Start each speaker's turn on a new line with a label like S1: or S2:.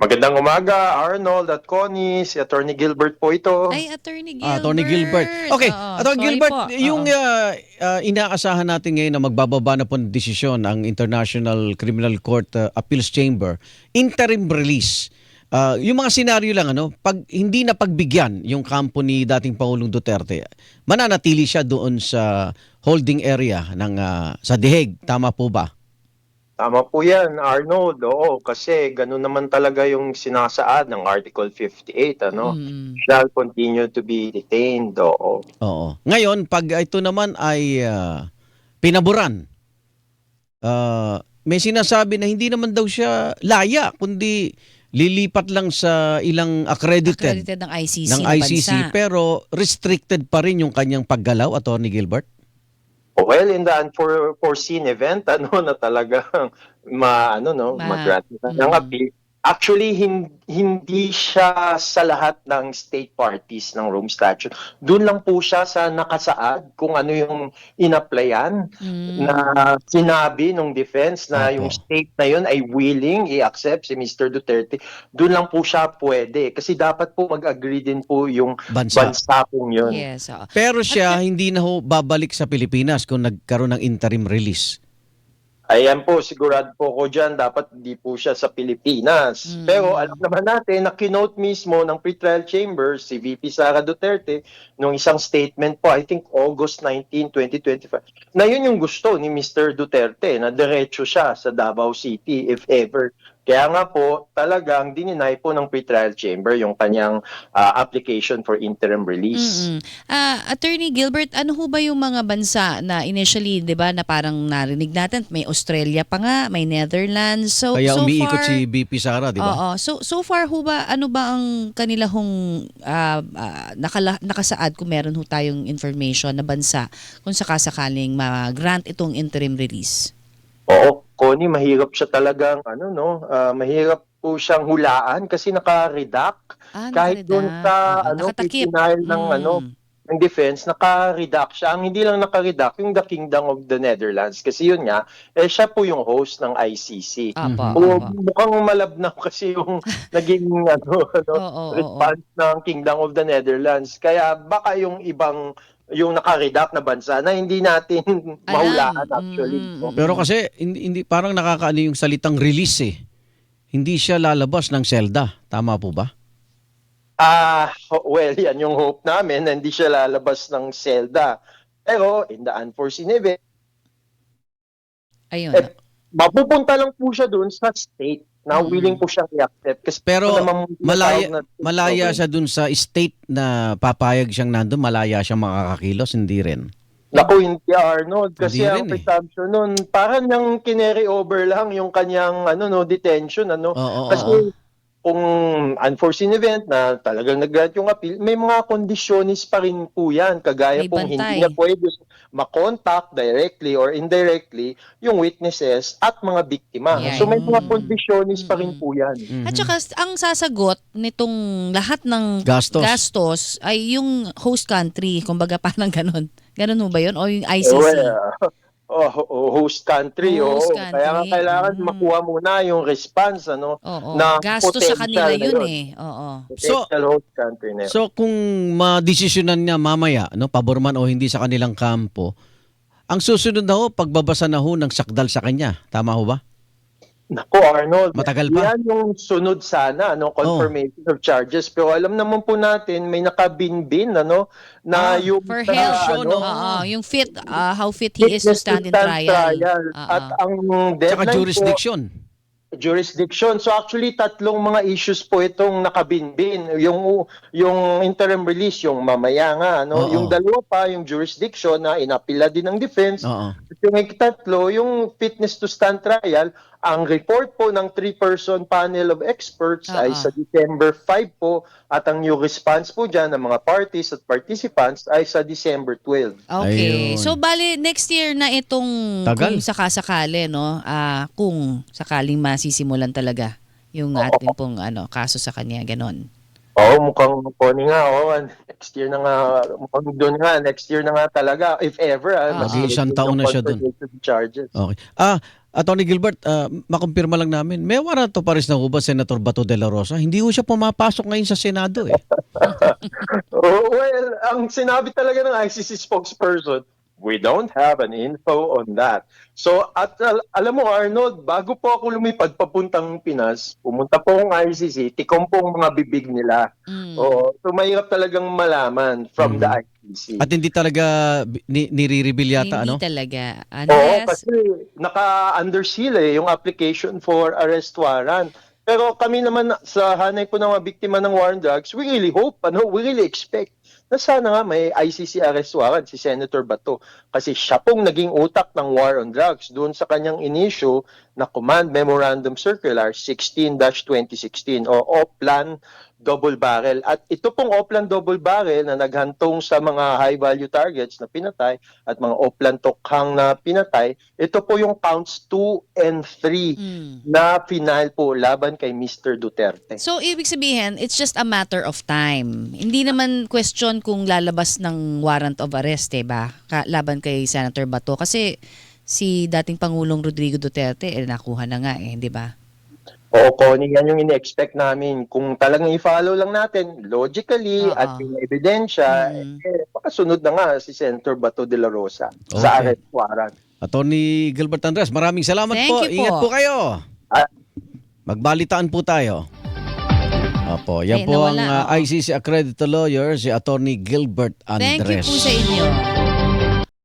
S1: Magandang umaga, Arnold at Connie. Si Attorney Gilbert po ito.
S2: Ay, Attorney Gilbert.
S3: Attorney Gilbert. Okay,
S2: Oo,
S3: Attorney
S2: sorry
S3: Gilbert,
S2: po.
S3: yung
S2: Oo.
S3: inaasahan natin ngayon na magbababa na po ng desisyon ang International Criminal Court Appeals Chamber, interim release. Yung mga senaryo lang, pag hindi na pagbigyan yung kampo ni dating Pangulong Duterte, mananatili siya doon sa holding area ng sa Diheg. Tama po ba?
S1: Tama po yan, Arnold. Oo, kasi ganun naman talaga yung sinasaad ng Article 58,
S2: Mm.
S1: Shall continue to be detained. Oo.
S3: Oo. Ngayon, pag ito naman ay pinaboran, may sinasabi na hindi naman daw siya laya, kundi lilipat lang sa ilang accredited
S2: Accredited ng ICC
S3: ng
S2: na
S3: ICC,
S2: bansa.
S3: pero restricted pa rin yung kanyang paggalaw, Attorney Gilbert?
S1: Well, in the unforeseen event, na talagang mag-grant ng
S2: Mm.
S1: appeal. Actually, hindi siya sa lahat ng state parties ng Rome Statute. Doon lang po siya sa nakasaad kung ano yung in-applyan na sinabi ng defense na
S3: Opo.
S1: yung state na yun ay willing i-accept si Mr. Duterte. Doon lang po siya pwede. Kasi dapat po mag-agree din po yung
S3: Bansa.
S1: bansa pong yun.
S2: Yes. Oo.
S3: Pero siya hindi na ho babalik sa Pilipinas kung nagkaroon ng interim release.
S1: Ayan po, sigurado po ko dyan, dapat hindi po siya sa Pilipinas. Pero alam naman natin na kinote mismo ng pretrial chamber si VP Sara Duterte nung isang statement po, I think August 19, 2025, na yun yung gusto ni Mr. Duterte, na diretso siya sa Davao City if ever. Kaya nga po, talagang dininay po ng pretrial chamber yung kanyang application for interim release.
S2: Attorney Gilbert, ano ho ba yung mga bansa na initially, 'di ba, na parang narinig natin, may Australia pa nga, may Netherlands. So
S3: Kaya
S2: so
S3: umiikot
S2: far,
S3: si BP Sara, di ba?
S2: Oo. So far ho ba, ano ba ang kanila hong nakasaad kung meron ho tayong information na bansa kung sakasakaling ma-grant itong interim release?
S1: Oo, Connie, mahirap siya talagang, mahirap po siyang hulaan kasi naka-redact. Kahit doon
S2: Naka-redact.
S1: sa,
S2: Oo, nakatakip.
S1: pipinail ng defense, naka-redact siya. Ang hindi lang naka-redact, yung the Kingdom of the Netherlands. Kasi yun nga, siya po yung host ng ICC.
S2: Apo,
S1: O,
S2: apo.
S1: mukhang malabnaw kasi yung naging
S2: Oo.
S1: response ng Kingdom of the Netherlands. Kaya baka yung naka-redact na bansa na hindi natin mahulaan actually.
S3: Pero kasi hindi parang nakakaano yung salitang release eh. Hindi siya lalabas ng selda. Tama po ba?
S1: Well, yan yung hope namin na hindi siya lalabas ng selda. Pero in the unforeseen event,
S2: Ayun.
S1: mapupunta lang po siya doon sa state na willing po siyang i-accept. Kasi
S3: Pero
S1: naman
S3: malaya siya dun sa state na papayag siyang nandun, malaya siyang makakakilos, hindi rin.
S1: Naku, hindi Arnold. Kasi
S3: Hindi
S1: ang
S3: rin
S1: presumption nun, parang niyang kineri over lang yung kanyang detention.
S3: Oo.
S1: Kasi kung unforeseen event na talagang nag-grant yung appeal, may mga kondisyonis pa rin po yan. Kagaya
S2: May
S1: pong
S2: bantay.
S1: hindi niya pwede makontakt directly or indirectly yung witnesses at mga biktima.
S2: Yan.
S1: So may mga kondisyonis pa rin po yan.
S2: At saka ang sasagot nitong lahat ng
S3: Gastos.
S2: ay yung host country, kumbaga parang ganun. Ganun ho ba yun? O yung ICC?
S1: Host country.
S2: Host
S1: Oo.
S2: country.
S1: Kaya nga kailangan makuha muna yung response
S2: Oo.
S1: na
S2: Gastos sa kanila
S1: potential na
S2: yun eh. Oo.
S1: Potential host country na yun.
S3: So kung madesisyonan niya mamaya, pabor man o hindi sa kanilang kampo, ang susunod na ho, pagbabasa na ho ng sakdal sa kanya. Tama ho ba?
S1: Naku, Arnold.
S3: Matagal pa.
S1: Yan yung sunod sana, confirmation of charges. Pero alam naman po natin, may nakabinbin, na yung
S2: For
S1: sa,
S2: health, yung how fit he is to stand in trial.
S1: At ang
S3: Tsaka
S1: deadline
S3: jurisdiction.
S1: So actually tatlong mga issues po itong nakabinbin. Yung interim release, yung mamaya nga,
S3: Oo.
S1: yung dalawa pa, yung jurisdiction na inapila din ng defense.
S3: Oo.
S1: At yung ikatlo, yung fitness to stand trial, ang report po ng 3-person panel of experts ay sa December 5 po at ang new response po dyan ng mga parties at participants ay sa December 12.
S2: Okay.
S3: Ayun.
S2: So bali next year na itong
S3: Tagal.
S2: kung sakasakali kung sakaling masisimulan talaga yung ating pong kaso sa kanya ganon.
S1: mukhang Connie nga, next year na nga, mukhang doon nga, next year na nga talaga, if ever.
S3: Mag-iisang taon na siya doon.
S1: Charges.
S3: Okay. Attorney Gilbert, makumpirma lang namin, may warrant of arrest na ho ba Senator Bato de la Rosa? Hindi ho siya pumapasok ngayon sa Senado eh.
S1: Well, ang sinabi talaga ng ICC spokesperson, we don't have an info on that. So, at alam mo Arnold, bago po ako lumipad papuntang Pinas, pumunta po akong ICC, tikom po ang mga bibig nila. So mahirap talagang malaman from the ICC.
S3: At hindi talaga nire-reveal yata,
S2: Hindi
S3: ano?
S2: talaga.
S1: Oo, kasi naka-under seal yung application for arrest warrant. Pero kami naman sa hanay po ng mga biktima ng war on drugs, we really hope, we really expect na sana nga may ICC arrest warrant si Senator Bato. Kasi siya pong naging utak ng war on drugs doon sa kanyang inisyu na Command Memorandum Circular 16-2016 o OPLAN Double Barrel. At ito pong OPLAN Double Barrel na naghantong sa mga high-value targets na pinatay at mga OPLAN Tokhang na pinatay, ito po yung counts 2 and 3 na final po laban kay Mr. Duterte.
S2: So, ibig sabihin, it's just a matter of time. Hindi naman question kung lalabas ng warrant of arrest, ba? Laban kay Senator Bato. Kasi si dating Pangulong Rodrigo Duterte, nakuha na nga di ba?
S1: Oo, Connie, yan yung ine-expect namin. Kung talagang i-follow lang natin, logically, at yung ebidensya, makasunod na nga si Senator Bato de la Rosa sa arrest warrant.
S3: Attorney Gilbert Andres, maraming salamat
S2: Thank
S3: po.
S2: you po.
S3: Ingat po kayo.
S1: Ah.
S3: Magbalitaan po tayo. Opo, yan po ang
S2: nawala,
S3: ICC accredited lawyer, si Attorney Gilbert Andres.
S2: Thank you po sa inyo.